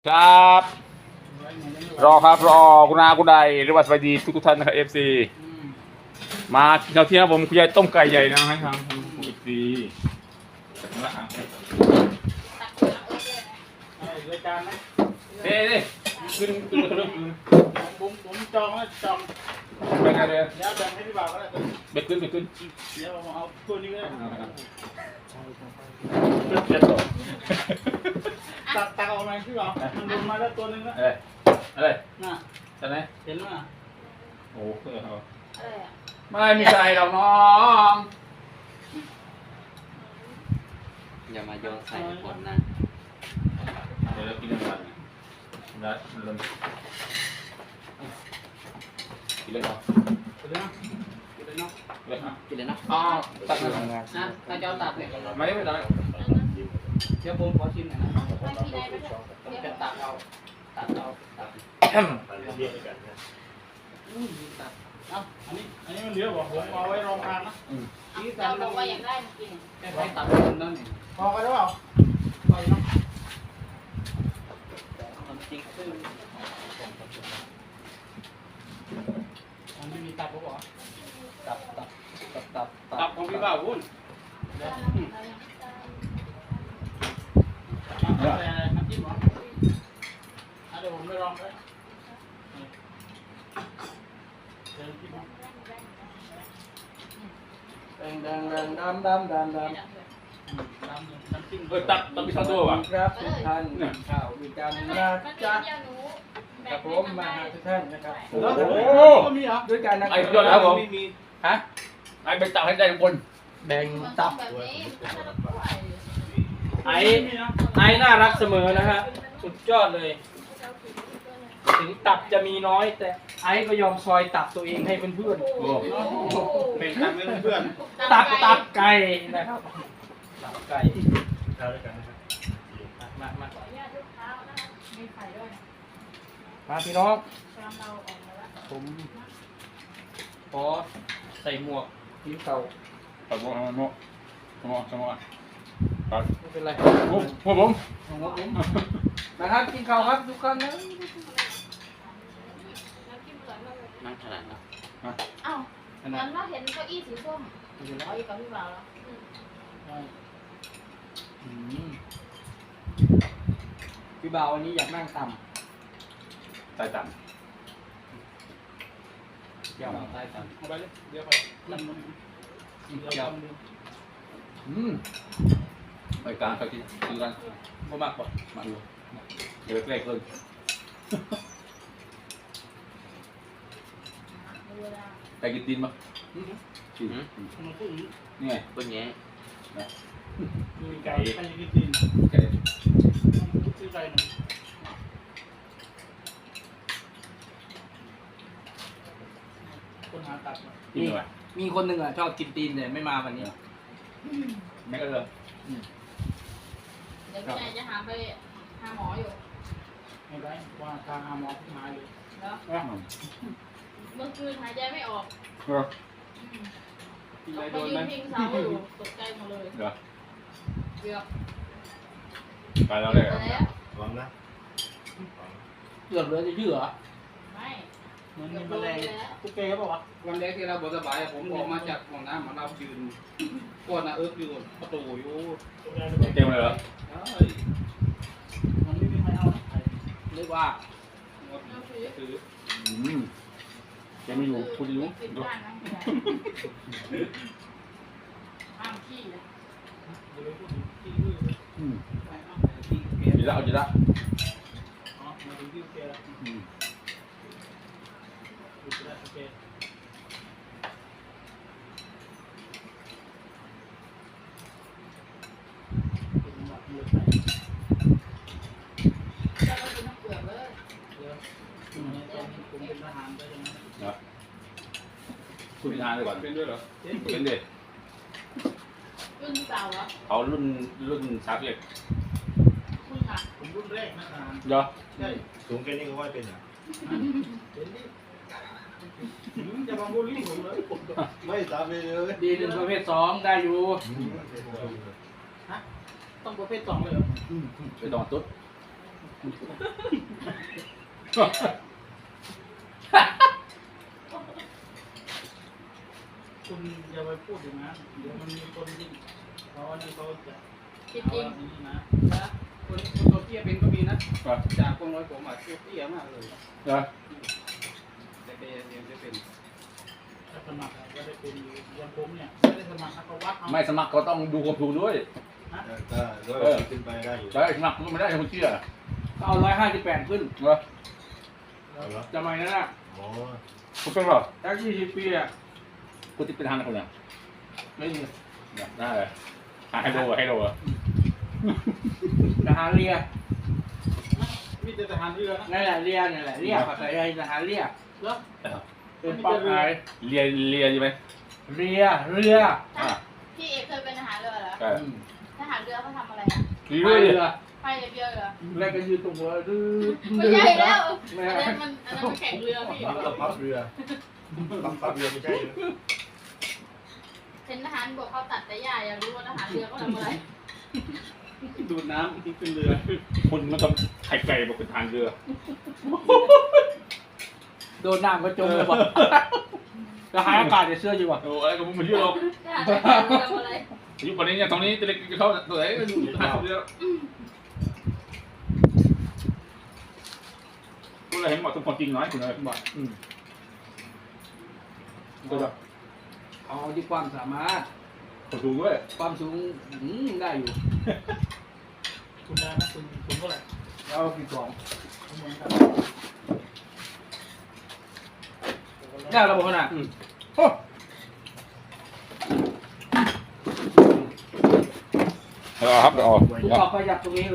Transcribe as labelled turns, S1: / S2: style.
S1: ครับรอครับรอคุณอาคุณใดหรือว่าสวัสดีทุกท่านนะครับFC มากินข้าวเที่ยงผมคุณยายต้มไก่ใหญ่นะให้ทางFC
S2: รายการนะ
S1: เด้ขึ้นมาเริ่มขึ้น
S2: ผมจองแล้วจอง
S1: ไปไงเลย
S2: เดี๋ยวแบ่งให้พี่บ่าวก็ได้
S1: เบ็ดขึ้นเบ็ดขึ้น
S2: เดี๋ยวผมเอาตัวนี้ก็ได้ตักออกมาพี่บ่าวมันลงมาแล้วตัวนึงแล้ว
S1: อะไร
S2: น่ะ
S1: ใช่ไหม
S2: เห็นไหม
S1: โอ้เออ
S3: อะไรอ่ะ
S1: ไม่มีใครหรอกน้อง
S4: อย่ามาโยนใส่คนนะ
S1: เดี๋ยวเรากินอะไรนะเริ่มกินเลยเหรอ
S2: กินเลยนะกินเลยเนาะ
S1: เลยอ่ะ
S4: กินเลยนะ
S1: อ๋อตักเลย
S4: นะถ้าจะเอาตัดเนี่ย
S1: ไม่ได้
S4: เดี๋ยวผมขอชิมหน่อยนะ
S3: ไม่มีอะไรไม่ได้
S4: ผมจะตัดเอาตัด
S1: ตัด
S4: ตัด
S2: เอ้าอันนี้มันเหลือบอกผมเอาไว้รองทานนะ
S3: เราบอกว่าอยากได้มากิน
S4: แค่ใช้ตัดคนนั่นเอง
S2: พอกันหรือเปล่าพอเนาะ
S4: จริงซึ่ง
S2: อันนี้มีตับหรือเปล่า
S4: ตับของพี่บ่าววุ้น
S2: อะไรน้ำจิ้มเหรอเดี๋ยวผมไปลองเลยเดี๋ยวจิ้ม
S4: ดำ
S2: น้ำจิ้ม
S1: ตักมีซอสด้วยว่ะ
S4: ครับทุกท่านข่าวมีการ
S3: มัน
S4: นะ
S3: มี
S4: จ๊ะ
S3: เดียวหนู
S4: กับผมมาหาทุกท่านนะครับ
S2: แล้วก็มีเหรอ
S4: ด้วยการนะ
S1: ไอ้ยอดแล้วผม
S4: ฮะ
S1: ไอ้ไปตักให้ใจทุกคน
S4: แบ่ง
S3: มัน
S4: ตับ
S3: แบบนี้
S4: ไอ้น่ารักเสมอนะฮะสุดยอดเลย ถึงตับจะมีน้อยแต่ไอ้ก็ยอมซอยตับตัวเองให้เพื่อน
S1: โอ้
S2: แบ่งกันเพื่อน
S4: ๆตับไก่นะครับตับไก่
S2: เราด้วยกันนะครับ
S4: มา
S3: ขออนุญาตลูกค้านะคะมีไข่ด้วยนะ
S4: มาพี่น้อง
S3: ชามเราออกมาแล้ว
S4: ผมขอใส่หมวกทีมเก่า
S1: ตักโม่โม่โม่โม่ตัก
S4: ไม่เป็นไร
S1: โอ้ผม
S4: นะครับกินข้าวครับทุกคนนะ
S3: น้ำจิ้มอร่อยมากเลย
S4: นั่งขนาดนะ
S3: อ้าวตอนเราเห็นเก้าอี้สีส้ม
S4: ไม่เป็นไร
S3: เอาอีกกับพี่บ่าวแล้ว
S4: พี่บ่าววันนี้อยากนั่งต่
S1: ใส่ต่
S4: ำเกี่ยวใต้ต่ำ
S2: เอาไปเลยเดี๋ยวไปนั่งมัน
S4: เกี่ยว
S1: ไปกลางไปกินคือกัน
S4: บ่มากกว่า
S1: มาดูเดี๋ยวใกล้เกิน
S3: เวลา
S1: ไปกินตีนมั้ยตีน
S2: มันพูดอย่างนี้
S1: นี่ไง
S4: เป็นไง
S2: มีไก่ใครกินตีน
S1: ไก่
S2: ซื้อไก่หน่อยคนหาตัดมา
S1: กินอะไร
S4: มีคนหนึ่งอ่ะชอบกินตีนแต่ไม่มาวันนี้
S1: ไม่ก็เลย
S3: เดี๋ยวพี่นายจะหาไปหาหมออยู่
S2: ไม่ได้ว่าทางหาหมอที่มาเลย
S3: แล้วเมื่อคืนหายใจไม่ออกไปยืนพิงเสาอยู่ตกใจหมดเลย
S1: เดี๋ยว
S3: เกือบ
S1: ไปแล้วเลย
S3: แล้ว
S5: ลองนะ
S4: เกือบเหลือจะเยื่อ
S3: ไม่
S2: เหมือนมีแมลงตุ๊กแกเปล่าวะ
S4: วันแรกที่เราบสบายผมออกมาจากห้องน้ำมาเรายืนก้นนะอยู่ประตูอยู่
S1: เต็มเลยเหรอ
S2: มันไม่มีใครเอานะ
S4: เรียกว่า
S3: เอาถือ
S4: ถือ
S1: เต็มอยู่คุณอยู่
S3: ปิด
S1: ดู
S3: บ้านนะห้ามขี้นะ
S2: เดี๋ยวไปพูดถึงที่อื่น
S1: จีละเอาจีละ
S2: อ๋อมาถึงที่ตุ๊กแกแล้วดูจะได้ตุ๊กแกเป็นหมักเลือดไหล
S3: แล้วก็กินน้ำเปลือกเลย
S2: เดี๋ยวผมเป็นทหารได้ยังไง
S1: เนาะคุณพิธาเลยก่อนเป็นด้วยเหรอเป็นเด็ก
S3: รุ่นเก่าเหรอ
S1: เขารุ่นสามเอ็ด
S3: คุณค่ะ
S2: ผมรุ่นแรกนะทหาร
S1: เดี๋ยว
S2: ใช่
S5: สูงแค่นี้ก็ว่าเป็นอ่ะ
S2: เห็นดิจะมาบูลลี่ผมเลย
S5: ไม่ตามไปเลย
S4: ดีหนึ่งประเภทสองได้อยู่
S2: ฮะต้องประเภทสองเลยเหรอ
S1: ไปต่อตุ๊ด
S2: คุณอย่าไปพูดอย่างนั้นเดี๋ยวมันมีคนที่เขาอันนี้เขาจะ
S3: จริง
S2: เอา
S3: จริง
S2: อันนี้นะคนตัวเตี้ยเป็นก็มีนะจากคนร้อยผมอ่ะตัวเตี้ยมากเลย
S1: เหรอ
S2: แต่เป็นยังจะเป็นถ้าสมัครก็ได้เป็นอยู่อย่างผมเนี่ยไม่ได้สมัครเขาวัดเอา
S1: ไม่สมัครก็ต้องดูความถูกด้วย
S5: ได้ด้วยขึ้นไปได้อยู่
S1: ได้สมัครก็ไม่ได้คนเชื่อ
S4: ก็เอา158ขึ้น
S1: เหรอ
S5: เอาละ
S4: สมัยนั้นอ่ะ
S5: อ๋อ
S1: คุณเป็นเหรอ
S4: แท็ก40 ปีอ่ะ
S1: คุณติดเป็นทางคนเนี่ย
S4: ไม่มี
S1: ได้เลยให้โดให้โด
S4: ทหารเรือ
S2: มีแต่ทหารเรือนะ
S4: นั่นแหละเรือนี่นแหละเรือภาษาไทยทหารเรือ
S2: แล้ว
S4: เป็นเป้าหมาย
S1: เรียใช่ไหม
S4: เรือ
S1: อ่า
S3: พี่เอกเคยเป็นทหารเรือเหรอ
S1: ใช่
S3: ทหารเรือเขาทำอะไรอ่ะ
S1: เรื่อย
S4: เรือ
S3: ไปเรือเหรอ
S4: แล้วก็ยืนตรงหัวดื้อ
S3: ไม่ใช่แล้ว
S4: ไม่
S3: อัน
S4: ใช่
S3: นั้นมันแข่งเรือพี่
S5: พับเรือพับเรือไม่ใช่นะ
S3: เป็นทหารบกเขาตัดแต่หญ้าอยากรู้ว่าทหารเรือเขาทำอะไร
S2: ดูดน้ำที่ขึ้นเรือ
S1: คุณมันต้องไข่ไก่บอกเป็นทางเรือ
S4: โดนน้ำก็จมเลยว่ะทหารอากาศจะเสื้ออยู่ว่ะ
S1: โอ้อะไรก็มันเยอะหรอก
S3: ทหารเรือทำอะไร
S1: อายุป่านนี้เนี่ยตอนนี้จะเล็กจะเข้าตัวไหนก็อยู่ทางเรือก็เลยเห็นหมดทุกคนจริงน้อยคุณเลยบอกก็จะ
S4: เอาที่ความสามารถ
S1: คนดูด้วย
S4: ความสูงได้อยู่
S2: คุณได้ไหมคุณเท่าไหร่
S4: เอากี่กล่อง
S2: คุณเหมือนกัน
S4: ได้ระบบขนาด
S1: ครับอ๋อ
S4: ผมขอประหยัดตรงนี้